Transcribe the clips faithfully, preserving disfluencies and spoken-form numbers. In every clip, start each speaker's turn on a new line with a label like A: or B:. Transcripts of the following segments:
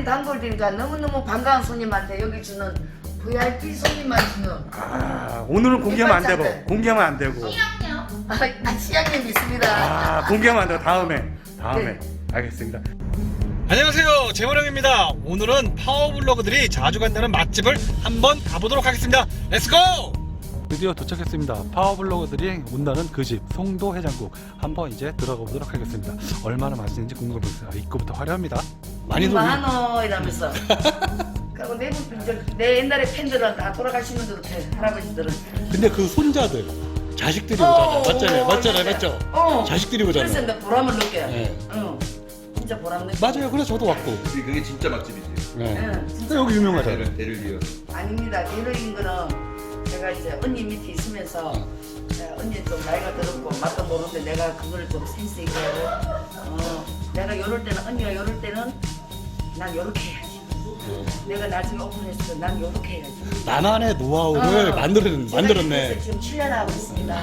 A: 단골이니까 너무너무 반가운 손님한테 여기 주는 브이아이피 손님만 주는.
B: 아, 오늘은 공개하면 안 되고,
A: 백반찬들.
B: 공개하면 안 되고.
A: 아, 시장님 있습니다.
B: 아, 공개하면 안 되고, 다음에. 다음에.
A: 네.
B: 알겠습니다. 안녕하세요. 재원형입니다. 오늘은 파워블로거들이 자주 간다는 맛집을 한번 가보도록 하겠습니다. 렛츠고! 드디어 도착했습니다. 파워블로거들이 온다는 그 집, 송도 해장국. 한번 이제 들어가 보도록 하겠습니다. 얼마나 맛있는지 궁금해서 입구부터 화려합니다. 많이 놀
A: 많어 이러면서. 그리고 내, 내 옛날에 팬들은 다 돌아가시는 것 같아, 할아버지들은.
B: 근데 그 손자들, 자식들이
A: 어,
B: 오잖아. 맞잖아요.
A: 어,
B: 맞잖아요.
A: 진짜.
B: 맞죠?
A: 어.
B: 자식들이 오잖아요.
A: 그래서 내 보람을 느껴요.
B: 네.
A: 응. 진짜 보람 느껴.
B: 맞아요. 그래서 저도 왔고.
C: 근데 그게 진짜 맛집이지.
B: 네.
A: 응, 진짜.
B: 근데 여기 유명하잖아요.
C: 대를, 대를 이어.
A: 아닙니다. 대로인 거는 제가 이제 언니 밑에 있으면서 네, 언니 좀 나이가 들었고 맛도 모르는데 내가 그거를 좀 센스 있게 어, 내가 요럴 때는 언니가 요럴 때는 난 요렇게 해야지. 내가 나중에 오픈했을 때 난 요렇게 해야지.
B: 나만의 노하우를
A: 어.
B: 만들었,
A: 제가
B: 만들었네.
A: 그래서 지금 칠 년 하고 있습니다.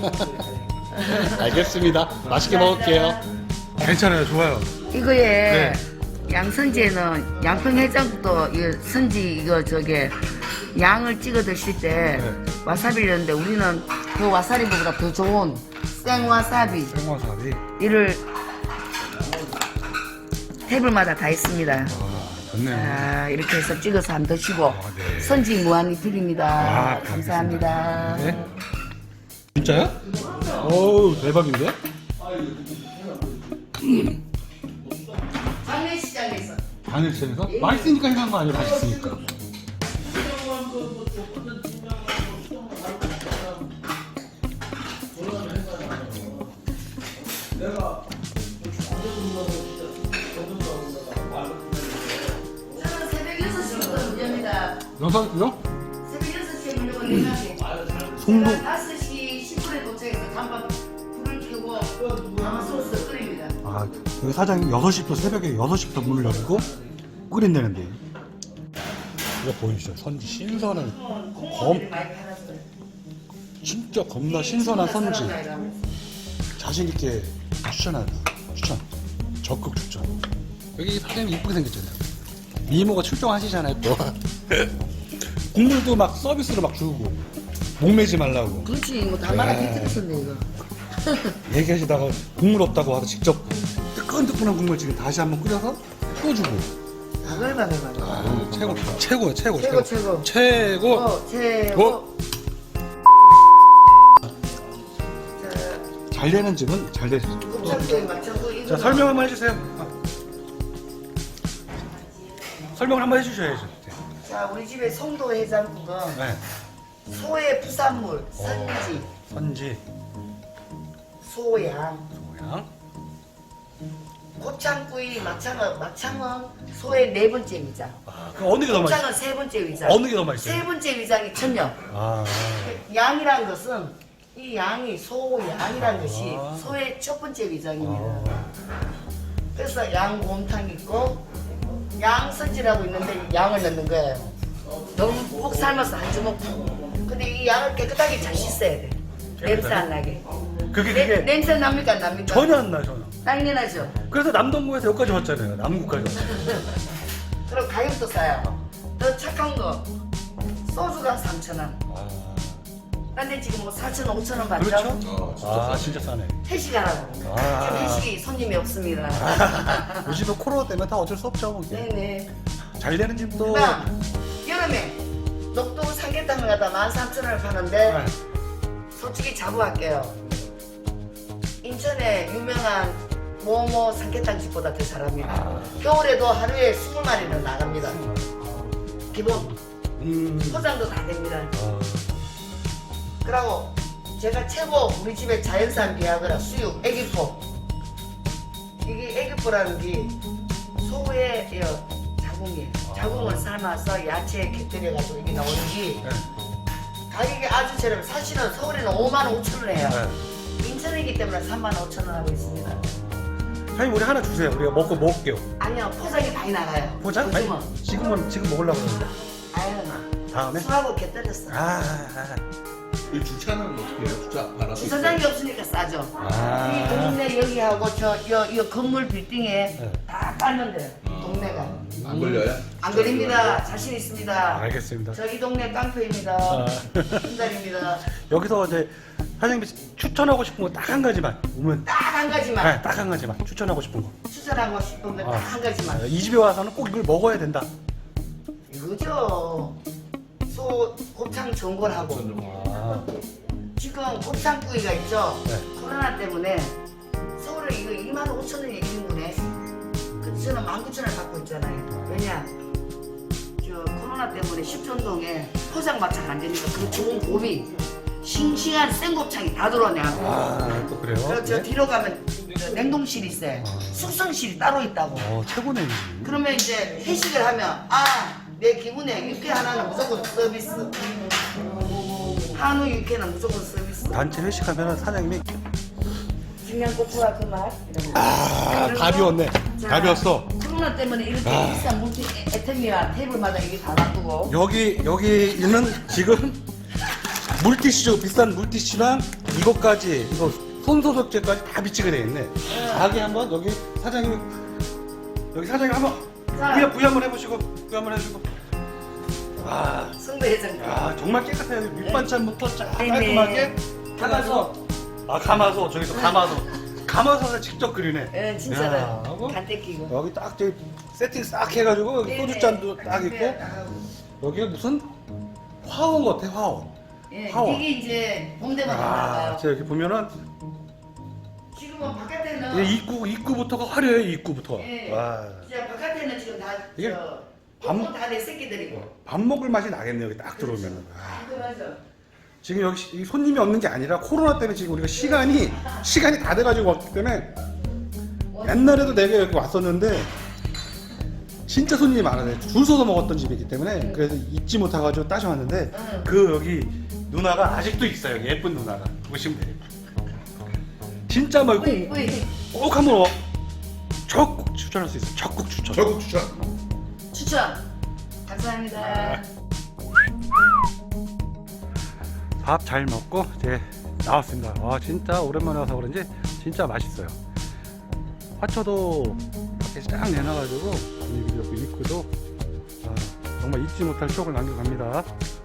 B: 알겠습니다. 맛있게 먹을게요. 괜찮아요. 좋아요.
A: 이거에
B: 네.
A: 양선지에는 양평 해장국도 이 선지 이거 저게 양을 찍어 드실 때
B: 네.
A: 와사비를 넣는데 우리는 그 와사비보다 더 좋은 생와사비
B: 생화사비.
A: 이를 테이블마다 다 있습니다.
B: 아, 좋네요.
A: 아, 이렇게 해서 찍어서 한번 드시고
B: 아, 네.
A: 선지 무한히 드립니다.
B: 아,
A: 감사합니다.
B: 네. 진짜요? 어우, 대박인데?
A: 장례시장에서
B: 바늘채에서? 맛있으니까 해간 거 아니에요? 맛있으니까.
A: 저는 새벽 여섯 시부터 문입니다.
B: 여섯 시요?
A: 새벽 여섯 시에 문을 열는데
B: 송도.
A: 다섯 시 십 분에 도착해서 간판 불을 켜고 아마 소스 끓입니다.
B: 아, 여기 사장님 여섯 시부터 새벽에 여섯 시부터 문을 열고 끓인다는데. 이거 보이시죠? 선지 신선한 검,
A: 많이 팔았어요.
B: 진짜 겁나 신선한 선지. 자신 있게 추천합니다. 추천. 적극 추천. 여기 사장님 이쁘게 생겼잖아요. 미모가 출동하시잖아요, 또. 국물도 막 서비스로 막 주고. 목매지 말라고.
A: 그렇지, 뭐 달마다 비틀었었네 이거.
B: 얘기하시다가 국물 없다고 와서 직접 뜨끈뜨끈한 국물 지금 다시 한번 끓여서 또 주고.
A: 바글바글바글.
B: 아, 최고, 최고요, 최고,
A: 최고 최고.
B: 최고.
A: 어, 최고.
B: 어? 잘 되는 집은 잘 되죠.
A: 곱창도에 맞춰서 이거.
B: 자, 설명 한번 해주세요. 아. 설명을 한번 해주셔야죠.
A: 자, 우리 집의 송도 해장국은
B: 네.
A: 소의 부산물, 선지,
B: 선지,
A: 소양,
B: 모양.
A: 곱창구이, 막창은 막창은 소의 네 번째 위장.
B: 아, 그럼 어느 게 더 맛있어요?
A: 곱창은 세 번째 위장.
B: 어느 게 더 맛있어요?
A: 세 번째 위장이 천년.
B: 아,
A: 양이란 것은 이 양이 소양이란 것이
B: 아.
A: 소의 첫 번째 위장입니다.
B: 아.
A: 그래서 양곰탕 있고 양선지라고 있는데 양을 넣는 거예요. 너무 푹 삶아서 한 주먹. 근데 이 양을 깨끗하게 잘 씻어야 돼. 냄새 안 나게.
B: 그게
A: 내-
B: 그게
A: 냄새 납니까 안 납니까?
B: 전혀 안 나, 전혀.
A: 당연하죠.
B: 그래서 남동구에서 여기까지 왔잖아요. 남구까지 왔잖아요.
A: 그리고 가격도 싸요. 더 착한 거 소주가 삼천 원.
B: 아,
A: 근데 지금 뭐 사천 원, 오천 원 받죠?
B: 그렇죠?
C: 어, 진짜
B: 아,
C: 싸네.
B: 진짜 싸네.
A: 회식하라고.
B: 아.
A: 지금 회식이 손님이 없습니다.
B: 요즘은 코로나 때문에 다 어쩔 수 없죠. 뭐.
A: 네네.
B: 잘 되는 집도.
A: 그다음 여름에 녹두 삼계탕을 갖다 만 삼천 원을 파는데
B: 네.
A: 솔직히 자부할게요. 인천에 유명한 모모 삼계탕 집보다 더 잘합니다.
B: 아.
A: 겨울에도 하루에 스무 마리는 나갑니다. 기본
B: 음.
A: 포장도 다 됩니다.
B: 아,
A: 그리고 제가 최고 우리 집에 자연산 비아그라 수육 애기포. 이게 애기포라는 게 소의 이 자궁이에요. 자궁을 삶아서 야채에 곁들여가지고 이게 나오는 게
B: 네.
A: 가격이 아주 저렴. 사실은 서울에는 오만 오천 원 해요.
B: 네.
A: 인천이기 때문에 삼만 오천 원 하고 있습니다.
B: 사장님 우리 하나 주세요. 우리가 먹고 먹을게요.
A: 아니요, 포장이 많이 나가요.
B: 포장? 아니,
A: 요즘은.
B: 지금은 지금 먹으려고 그러는데.
A: 아유,
B: 다음에?
A: 술하고 곁들였어.
B: 아, 아,
C: 이 주차는 어떻게 해요? 주차 받아.
A: 주차장이 없으니까 싸죠.
B: 아.
A: 이 동네 여기하고 저 여, 여 건물 빌딩에
B: 네.
A: 다 깔면 돼요. 동네가.
C: 안 걸려요?
A: 안 걸립니다. 자신 있습니다.
B: 알겠습니다.
A: 저희 동네 깡패입니다.
B: 아.
A: 한달입니다.
B: 여기서 이제 사장님이 추천하고 싶은 거 딱 한 가지만 오면
A: 딱 한 가지만
B: 네, 딱 한 가지만 추천하고 싶은 거.
A: 추천하고 싶은 건 딱
B: 아.
A: 한 가지만.
B: 이 집에 와서는 꼭 이걸 먹어야 된다.
A: 이거죠. 소 곱창 전골하고
B: 아,
A: 지금 곱창구이가 있죠.
B: 네.
A: 코로나 때문에 서울에 이거 이만 오천 원이 일 인분에 그 저는 만 구천 원 받고 있잖아요. 왜냐? 저 코로나 때문에 십전동에 포장 마차가 안 되니까 그 좋은 곱이 싱싱한 생곱창이 다 들어오냐고.
B: 아, 또 그래요?
A: 그리고 저
B: 네?
A: 뒤로 가면 저 냉동실이 있어요.
B: 아.
A: 숙성실이 따로 있다고.
B: 어, 최고네.
A: 그러면 이제 회식을 하면 아, 내 기분에 육회 하나는 무조건 서비스. 한우 육회는 무조건 서비스.
B: 단체 회식하면 사장님이
A: 중량고추와 그 맛.
B: 아, 다 비웠네. 다 비웠어.
A: 코로나 때문에 이렇게
B: 아.
A: 비싼 물티 애템이와 테이블마다 이게 다 놔두고.
B: 여기 여기 있는 지금 물티슈 비싼 물티슈랑 이것까지 이거 손소독제까지 다 비치게 돼 있네. 자기 한번 여기 사장님 여기 사장님 한번
A: 자.
B: 부여 부여 한번 해보시고 부여 한번 해주고. 아,
A: 승배회장.
B: 야 정말 깨끗해요. 밑반찬부터 쫙
A: 네네.
B: 깔끔하게.
A: 가마솥.
B: 아 가마솥 저기서 가마솥. 가마솥을 직접 끓이네.
A: 예,
B: 야,
A: 진짜로.
B: 하고
A: 간 떼끼고.
B: 여기 딱 저기 세팅 싹 해가지고 여기
A: 네네.
B: 소주잔도 딱 있고 여기가 무슨 화원 같아 화원.
A: 예,
B: 파워.
A: 이게 이제 봄 되면
B: 아,
A: 나가요.
B: 저 여기 보면은
A: 지금은 바깥에는
B: 이게 입구 입구부터가 화려해 입구부터.
A: 예.
B: 와.
A: 진짜 바깥에는 지금 다
B: 이게
A: 저
B: 밤-
A: 밥... 다내 새끼들이고.
B: 밥 먹을 맛이 나겠네 여기 딱 들어오면은. 아,
A: 그 맞아.
B: 지금 여기 시- 이 손님이 없는 게 아니라 코로나 때문에 지금 우리가 시간이 시간이 다 돼가지고 왔기 때문에 옛날에도 내가 여기 왔었는데 진짜 손님이 많아요. 줄 서서 먹었던 집이기 때문에 그래서 잊지 못해가지고 따져왔는데
A: 응.
B: 그 여기 누나가 아직도 있어요. 예쁜 누나가 보시면 돼요. 진짜 말고
A: 뿌이 뿌이.
B: 꼭 한번 와. 적극 추천할 수 있어요. 적극 추천.
C: 저국 추천.
A: 추천. 감사합니다.
B: 밥 잘 먹고 이제 나왔습니다. 와 진짜 오랜만에 와서 그런지 진짜 맛있어요. 화초도 밖에 쫙 내놔가지고 분위기도 좋고 입구도 아, 정말 잊지 못할 추억을 남겨갑니다.